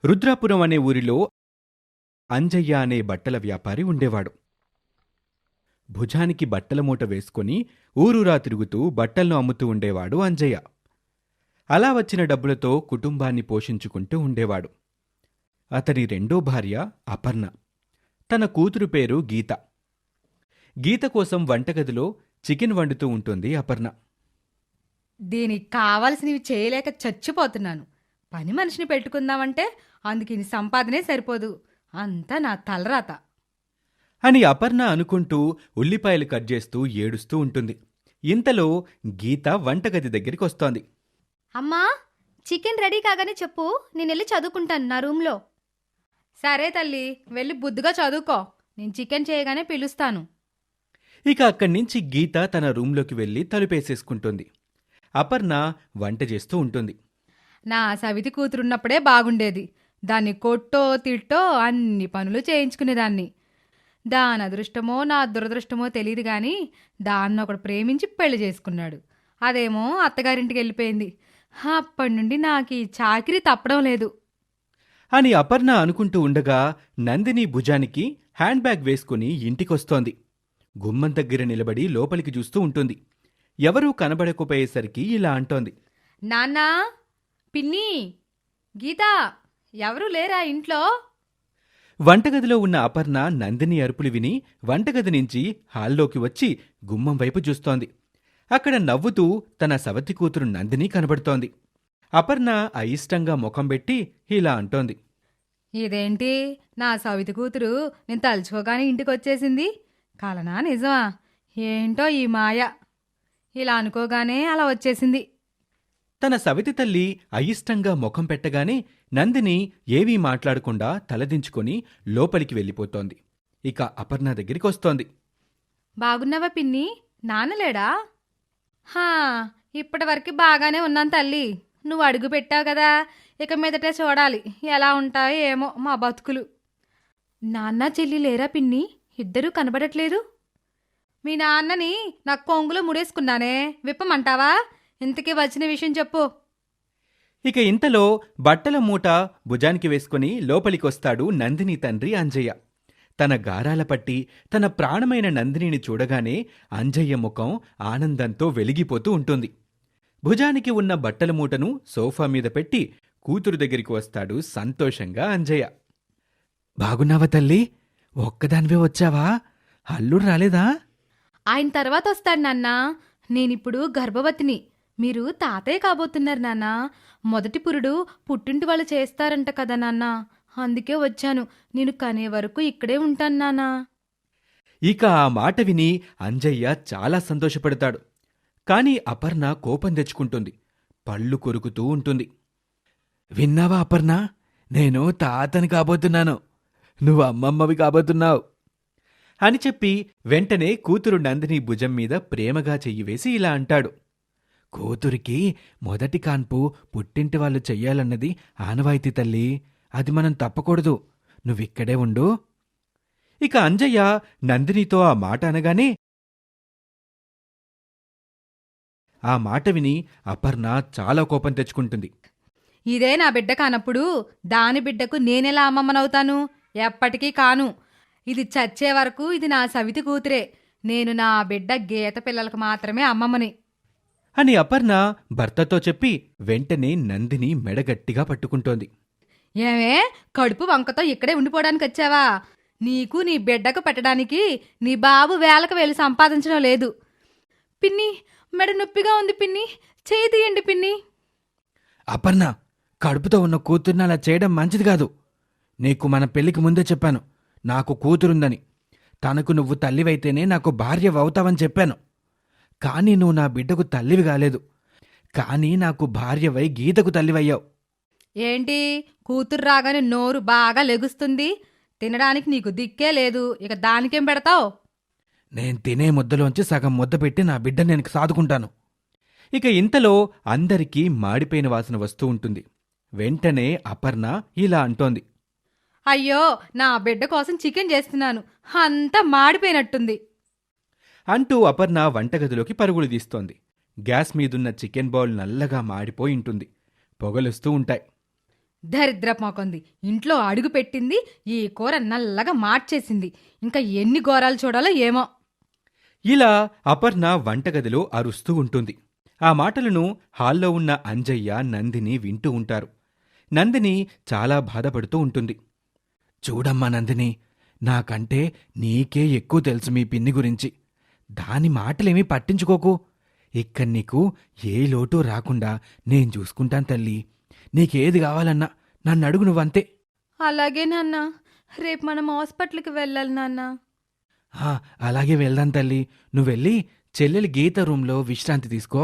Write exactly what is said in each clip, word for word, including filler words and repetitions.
రుద్రాపురం అనే ఊరిలో అంజయ్య అనే బట్టల వ్యాపారి ఉండేవాడు. భుజానికి బట్టల మూట వేసుకుని ఊరూరా తిరుగుతూ బట్టలను అమ్ముతూ ఉండేవాడు అంజయ్య. అలా వచ్చిన డబ్బులతో కుటుంబాన్ని పోషించుకుంటూ ఉండేవాడు. అతని రెండో భార్య అపర్ణ. తన కూతురు పేరు గీత. గీత కోసం వంటగదిలో చికెన్ వండుతూ ఉంటుంది అపర్ణ. దీనికి కావాల్సినవి చేయలేక చచ్చిపోతున్నాను. పని మనిషిని పెట్టుకుందామంటే అందుకు ఇన్ని సంపాదనే సరిపోదు. అంతా నా తలరాత అని అపర్ణ అనుకుంటూ ఉల్లిపాయలు కట్ చేస్తూ ఏడుస్తూ ఉంటుంది. ఇంతలో గీత వంటగది దగ్గరికి వస్తోంది. అమ్మా, చికెన్ రెడీ కాగానే చెప్పు, నేను వెళ్ళి చదువుకుంటాను నా రూమ్లో. సరే తల్లి, వెళ్ళి బుద్ధిగా చదువుకో. నేను చికెన్ చేయగానే పిలుస్తాను. ఇక అక్కడి నుంచి గీత తన రూంలోకి వెళ్ళి తలుపేసేసుకుంటుంది. అపర్ణ వంట చేస్తూ ఉంటుంది. నా సవితి కూతురున్నప్పుడే బాగుండేది. దాన్ని కొట్టో తిట్టో అన్ని పనులు చేయించుకునేదాన్ని. దాని అదృష్టమో నా దురదృష్టమో తెలియదు గాని దాన్ని ఒకడు ప్రేమించి పెళ్లి చేసుకున్నాడు. అదేమో అత్తగారింటికి వెళ్ళిపోయింది. అప్పటి నుండి నాకు ఈ చాకిరీ తప్పడం లేదు అని అపర్ణ అనుకుంటూ ఉండగా నందిని భుజానికి హ్యాండ్ బ్యాగ్ వేసుకుని ఇంటికొస్తోంది. గుమ్మం దగ్గర నిలబడి లోపలికి చూస్తూ ఉంటుంది. ఎవరూ కనబడకపోయేసరికి ఇలా అంటోంది. నాన్నా, పిన్ని, గీత, ఎవరూ లేరా ఇంట్లో? వంటగదిలో ఉన్న అపర్ణ నందిని అరుపులు విని వంటగది నుంచి హాల్లోకి వచ్చి గుమ్మం వైపు చూస్తోంది. అక్కడ నవ్వుతూ తన సవతి కూతురు నందిని కనబడుతోంది. అపర్ణ అయిష్టంగా ముఖం పెట్టి ఇలా అంటోంది. ఇదేంటి, నా సవితి కూతురు నేను తలుచుకోగానే ఇంటికొచ్చేసింది? కలనా నిజమా? ఏంటో ఈ మాయ. ఇలా అనుకోగానే అలా వచ్చేసింది. తన సవితి తల్లి అయిష్టంగా ముఖం పెట్టగానే నందిని ఏవీ మాట్లాడకుండా తలదించుకొని లోపలికి వెళ్ళిపోతోంది. ఇక అపర్ణ దగ్గరికి వస్తోంది. బాగున్నావా పిన్ని? నాన్నలేడా? హా, ఇప్పటివరకు బాగానే ఉన్నాను తల్లి. నువ్వు అడుగు పెట్టావు కదా, ఇక మీదటే చూడాలి ఎలా ఉంటాయో ఏమో మా బతుకులు. నాన్న చెల్లి లేరా పిన్ని? ఇద్దరూ కనబడట్లేదు. మీ నాన్నని నాకు కొంగులో ముడేసుకున్నానే, విప్పమంటావా? ఇంతకీ వచ్చిన విషయం చెప్పు. ఇక ఇంతలో బట్టల మూట భుజానికి వేసుకుని లోపలికొస్తాడు నందిని తండ్రి అంజయ్య. తన గారాల పట్టి తన ప్రాణమైన నందినిని చూడగానే అంజయ్య ముఖం ఆనందంతో వెలిగిపోతూ ఉంటుంది. భుజానికి ఉన్న బట్టల మూటను సోఫా మీద పెట్టి కూతురు దగ్గరికి వస్తాడు సంతోషంగా అంజయ్య. బాగున్నావా తల్లి? ఒక్కదానివే వచ్చావా? అల్లుడు రాలేదా? ఆయన తర్వాత వస్తాడు నాన్నా. నేనిప్పుడు గర్భవతిని. మీరు తాతయ్య కాబోతున్నారు నాన్నా. మొదటి పురుడు పుట్టింటి వాళ్ళు చేస్తారంట కదా నాన్న, అందుకే వచ్చాను. నేను కనే వరకు ఇక్కడే ఉంటాను నాన్నా. ఇక ఆ మాట విని అంజయ్య చాలా సంతోషపడతాడు. కాని అపర్ణ కోపం తెచ్చుకుంటుంది. పళ్ళు కొరుకుతూ ఉంటుంది. విన్నావా అపర్ణ? నేను తాతని కాబోతున్నాను, నువ్వు అమ్మమ్మవి కాబోతున్నావు అని చెప్పి వెంటనే కూతురు నందిని భుజం మీద ప్రేమగా చెయ్యివేసి ఇలా అంటాడు. కూతురికి మొదటి కాన్పు పుట్టింటి వాళ్ళు చెయ్యాలన్నది ఆనవాయితీ తల్లి. అది మనం తప్పకూడదు. నువ్విక్కడే ఉండు. ఇక అంజయ్య నందినితో ఆ మాట అనగానే ఆ మాట విని అపర్ణ చాలా కోపం తెచ్చుకుంటుంది. ఇదే నా బిడ్డ కానప్పుడు దాని బిడ్డకు నేనెలా అమ్మమ్మనవుతాను? ఎప్పటికీ కాను. ఇది చచ్చే వరకు ఇది నా సవితి కూతురే. నేను నా బిడ్డ గీత పిల్లలకు మాత్రమే అమ్మమ్మని అని అపర్ణ భర్తతో చెప్పి వెంటనే నందిని మెడగట్టిగా పట్టుకుంటోంది. ఏమే, కడుపు వంకతో ఇక్కడే ఉండిపోవడానికి వచ్చావా? నీకు నీ బిడ్డకు పెట్టడానికి నీ బాబు వేలకు వేలు సంపాదించడం లేదు. పిన్ని, మెడ నొప్పిగా ఉంది పిన్ని, చేయి తీయండి పిన్ని. అపర్ణ, కడుపుతో ఉన్న కూతుర్ని అలా చేయడం మంచిది కాదు. నీకు మన పెళ్లికి ముందే చెప్పాను నాకు కూతురుందని. తనకు నువ్వు తల్లివైతేనే నాకు భార్య అవుతావని చెప్పాను. కానీ నువ్వు నా బిడ్డకు తల్లివి కాలేదు. కానీ నాకు భార్యవై గీతకు తల్లివయ్యావు. ఏంటి, కూతురు రాగానే నోరు బాగా లెగుస్తుంది. తినడానికి నీకు దిక్కే లేదు, ఇక దానికేం పెడతావు? నేను తినే ముద్దలోంచి సగం ముద్ద పెట్టి నా బిడ్డ నేను సాదుకుంటాను. ఇక ఇంతలో అందరికీ మాడిపోయిన వాసన వస్తూ ఉంటుంది. వెంటనే అపర్ణ ఇలా అంటోంది. అయ్యో, నా బిడ్డ కోసం చికెన్ చేస్తున్నాను, అంతా మాడిపోయినట్టుంది అంటూ అపర్ణ వంటగదిలోకి పరుగులు తీస్తోంది. గ్యాస్ మీదున్న చికెన్ బౌల్ నల్లగా మాడిపోయి ఉంటుంది. పొగలొస్తూ ఉంటాయి. దరిద్రపు మొకంది ఇంట్లో అడుగు పెట్టింది, ఈ కూర నల్లగా మార్చేసింది. ఇంకా ఎన్ని ఘోరాలు చూడాలో ఏమో. ఇలా అపర్ణ వంటగదిలో అరుస్తూ ఉంటుంది. ఆ మాటలను హాల్లో ఉన్న అంజయ్య, నందిని వింటూ ఉంటారు. నందిని చాలా బాధపడుతూ ఉంటుంది. చూడమ్మా నందిని, నాకంటే నీకే ఎక్కువ తెలుసు మీ పిన్ని గురించి. దాని మాటలేమీ పట్టించుకోకు. ఇక్కడ నీకు ఏ లోటు రాకుండా నేను చూసుకుంటాను తల్లి. నీకేది కావాలన్నా నన్ను అడుగు, నువ్వంతే. అలాగే నాన్న, రేపు మనం హాస్పిటల్కి వెళ్ళాలి నాన్న. "ఆ, అలాగే వెళ్దాం తల్లి. నువ్వెళ్ళి చెల్లెలి గీత రూంలో విశ్రాంతి తీసుకో."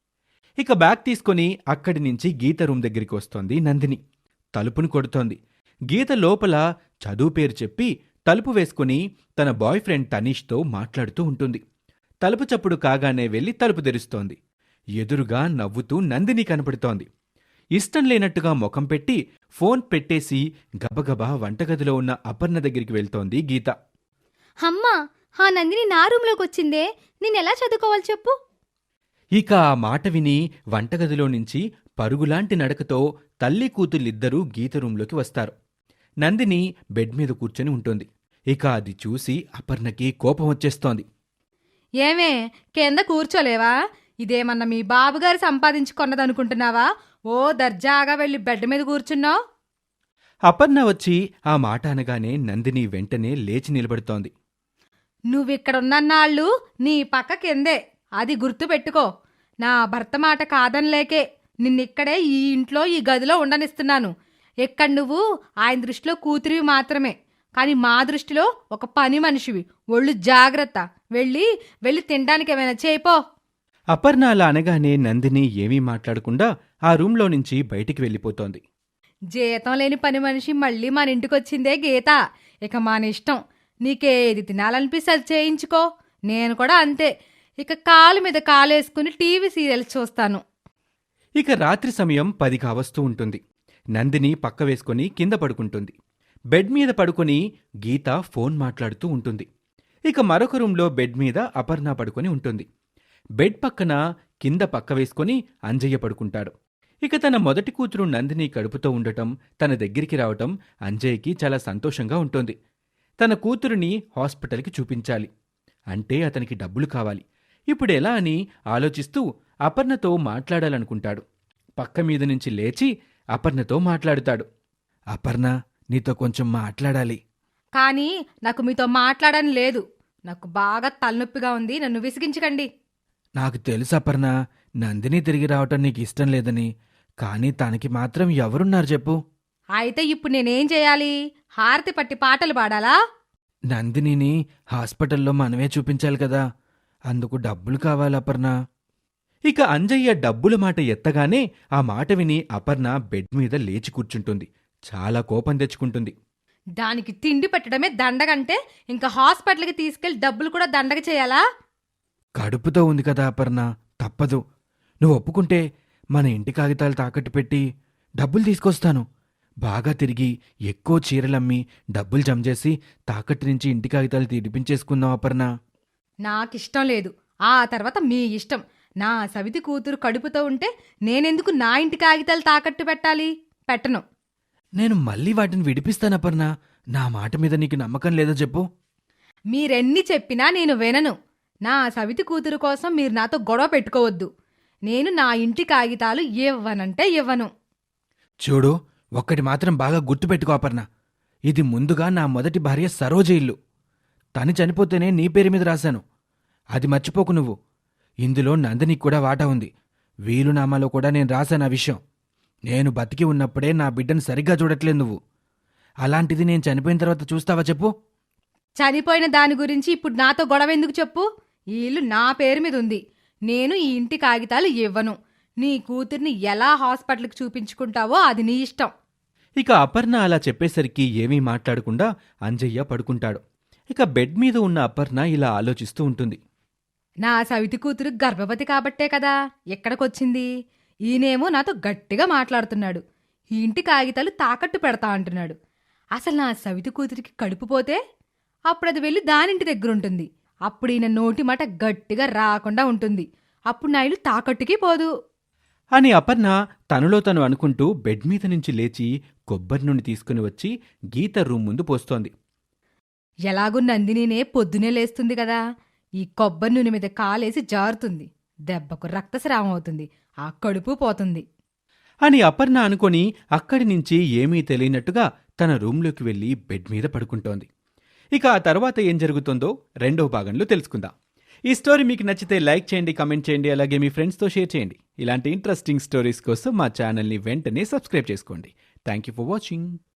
ఇక బ్యాగ్ తీసుకుని అక్కడి నుంచి గీత రూం దగ్గరికి వస్తోంది నందిని. తలుపుని కొడుతోంది. గీత లోపల చదువు పేరు చెప్పి తలుపు వేసుకుని తన బాయ్ ఫ్రెండ్ తనీష్తో మాట్లాడుతూ ఉంటుంది. తలుపు చప్పుడు కాగానే వెళ్లి తలుపు తెరుస్తోంది. ఎదురుగా నవ్వుతూ నందిని కనపడుతోంది. ఇష్టం లేనట్టుగా ముఖం పెట్టి ఫోన్ పెట్టేసి గబగబా వంటగదిలో ఉన్న అపర్ణ దగ్గరికి వెళ్తోంది గీత. అమ్మా, ఆ నందిని నా రూమ్లోకి వచ్చిందే, నేనెలా చదువుకోవాలి చెప్పు. ఇక ఆ మాట విని వంటగదిలో నుంచి పరుగులాంటి నడకతో తల్లి కూతుళ్ళిద్దరూ గీత రూంలోకి వస్తారు. నందిని బెడ్ మీద కూర్చొని ఉంటుంది. ఇక అది చూసి అపర్ణకి కోపం వచ్చేస్తోంది. ఏమే, కింద కూర్చోలేవా? ఇదేమన్నా మీ బాబుగారు సంపాదించుకున్నదనుకుంటున్నావా? ఓ దర్జాగా వెళ్ళి బెడ్ మీద కూర్చున్నావు. అపర్ణ వచ్చి ఆ మాట అనగానే నందిని వెంటనే లేచి నిలబడుతోంది. నువ్విక్కడున్నన్నాళ్ళు నీ పక్క కిందే, అది గుర్తు పెట్టుకో. నా భర్త మాట కాదనిలేకే నిన్నిక్కడే ఈ ఇంట్లో ఈ గదిలో ఉండనిస్తున్నాను. ఇక్కడ నువ్వు ఆయన దృష్టిలో కూతురివి మాత్రమే, కానీ మా దృష్టిలో ఒక పని మనిషివి. ఒళ్ళు జాగ్రత్త. వెళ్ళి వెళ్ళి తినడానికి ఏమైనా చేయిపో. అపర్ణ అలా అనగానే నందిని ఏమీ మాట్లాడకుండా ఆ రూంలో నుంచి బయటికి వెళ్ళిపోతోంది. జీతం లేని పని మనిషి మళ్ళీ మన ఇంటికొచ్చిందే గీత. ఇక మన ఇష్టం. నీకేది తినాలనిపిస్తే అది చేయించుకో. నేను కూడా అంతే. ఇక కాలు మీద కాలేసుకుని టీవీ సీరియల్స్ చూస్తాను. ఇక రాత్రి సమయం పది కావస్తూ ఉంటుంది. నందిని పక్క వేసుకుని కింద పడుకుంటుంది. బెడ్ మీద పడుకుని గీత ఫోన్ మాట్లాడుతూ ఉంటుంది. ఇక మరొక రూంలో బెడ్ మీద అపర్ణ పడుకొని ఉంటుంది. బెడ్ పక్కన కింద పక్క వేసుకుని అంజయ్య పడుకుంటాడు. ఇక తన మొదటి కూతురు నందిని కడుపుతో ఉండటం, తన దగ్గరికి రావటం అంజయ్యకి చాలా సంతోషంగా ఉంటుంది. తన కూతురిని హాస్పిటల్కి చూపించాలి అంటే అతనికి డబ్బులు కావాలి. ఇప్పుడెలా అని ఆలోచిస్తూ అపర్ణతో మాట్లాడాలనుకుంటాడు. పక్క మీద నుంచి లేచి అపర్ణతో మాట్లాడుతాడు. అపర్ణ, నీతో కొంచెం మాట్లాడాలి. కానీ నాకు మీతో మాట్లాడని లేదు. నాకు బాగా తలనొప్పిగా ఉంది. నన్ను విసిగించకండి. నాకు తెలుసు అపర్ణ, నందిని తిరిగి రావటం నీకు ఇష్టం లేదని. కానీ తనకి మాత్రం ఎవరున్నారు చెప్పు. అయితే ఇప్పుడు నేనేం చేయాలి? హారతి పట్టి పాటలు పాడాలా? నందినిని హాస్పిటల్లో మనమే చూపించాలి కదా, అందుకు డబ్బులు కావాలి అపర్ణ. ఇక అంజయ్య డబ్బుల మాట ఎత్తగానే ఆ మాట విని అపర్ణ బెడ్ మీద లేచి కూర్చుంటుంది. చాలా కోపం తెచ్చుకుంటుంది. దానికి తిండి పెట్టడమే దండగంటే ఇంకా హాస్పిటల్కి తీసుకెళ్లి డబ్బులు కూడా దండగ చేయాలా? కడుపుతో ఉంది కదా అపర్ణ, తప్పదు. నువ్వు ఒప్పుకుంటే మన ఇంటి కాగితాలు తాకట్టు పెట్టి డబ్బులు తీసుకొస్తాను. బాగా తిరిగి ఎక్కువ చీరలమ్మి డబ్బులు జమ చేసి తాకట్టు నుంచి ఇంటి కాగితాలు తీడిపించేసుకుందాం అపర్ణ. నాకిష్టం లేదు. ఆ తర్వాత మీ ఇష్టం. నా సవితి కూతురు కడుపుతో ఉంటే నేనెందుకు నా ఇంటి కాగితాలు తాకట్టు పెట్టాలి? పెట్టను. నేను మళ్ళీ వాటిని విడిపిస్తాను అపర్ణ. నా మాట మీద నీకు నమ్మకం లేదో చెప్పు. మీరెన్ని చెప్పినా నేను వినను. నా సవితి కూతురు కోసం మీరు నాతో గొడవ పెట్టుకోవద్దు. నేను నా ఇంటి కాగితాలు ఇవ్వనంటే ఇవ్వను. చూడు, ఒక్కటి మాత్రం బాగా గుర్తుపెట్టుకో అపర్ణ. ఇది ముందుగా నా మొదటి భార్య సరోజ ఇల్లు. తను చనిపోతేనే నీ పేరు మీద రాశాను. అది మర్చిపోకు నువ్వు. ఇందులో నందినికి కూడా వాటా ఉంది. వీలునామాలో కూడా నేను రాశాను ఆ విషయం. నేను బతికి ఉన్నప్పుడే నా బిడ్డను సరిగ్గా చూడట్లేదు నువ్వు. అలాంటిది నేను చనిపోయిన తర్వాత చూస్తావా చెప్పు. చనిపోయిన దాని గురించి ఇప్పుడు నాతో గొడవ ఎందుకు చెప్పు? ఈ ఇల్లు నా పేరు మీద ఉంది. నేను ఈ ఇంటి కాగితాలు ఇవ్వను. నీ కూతుర్ని ఎలా హాస్పిటల్కి చూపించుకుంటావో అది నీ ఇష్టం. ఇక అపర్ణ అలా చెప్పేసరికి ఏమీ మాట్లాడకుండా అంజయ్య పడుకుంటాడు. ఇక బెడ్ మీద ఉన్న అపర్ణ ఇలా ఆలోచిస్తూ ఉంటుంది. నా సవితి కూతురు గర్భవతి కాబట్టే కదా ఎక్కడికొచ్చింది. ఈయనేమో నాతో గట్టిగా మాట్లాడుతున్నాడు. ఈ ఇంటి కాగితాలు తాకట్టు పెడతా అంటున్నాడు. అసలు నా సవితి కూతురికి కడుపు పోతే అప్పుడు అది వెళ్ళి దానింటి దగ్గరుంటుంది. అప్పుడు ఈయన నోటి మాట గట్టిగా రాకుండా ఉంటుంది. అప్పుడు నా ఇల్లు తాకట్టుకి పోదు. అని అపర్ణ తనలో తను అనుకుంటూ బెడ్ మీద నుంచి లేచి కొబ్బరి నూనె తీసుకుని వచ్చి గీత రూమ్ ముందు పోస్తోంది. ఎలాగూ నందినినే పొద్దునే లేస్తుంది కదా, ఈ కొబ్బరి నూనె మీద కాలేసి జారుతుంది, దెబ్బకు రక్తస్రావం అవుతుంది, ఆ కడుపు పోతుంది. అని అపర్ణ అనుకొని అక్కడి నుంచి ఏమీ తెలియనట్టుగా తన రూంలోకి వెళ్లి బెడ్ మీద పడుకుంటోంది. ఇక ఆ తర్వాత ఏం జరుగుతుందో రెండో భాగంలో తెలుసుకుందాం. ఈ స్టోరీ మీకు నచ్చితే లైక్ చేయండి, కమెంట్ చేయండి, అలాగే మీ ఫ్రెండ్స్తో షేర్ చేయండి. ఇలాంటి ఇంట్రెస్టింగ్ స్టోరీస్ కోసం మా ఛానల్ని వెంటనే సబ్స్క్రైబ్ చేసుకోండి. Thank you for watching.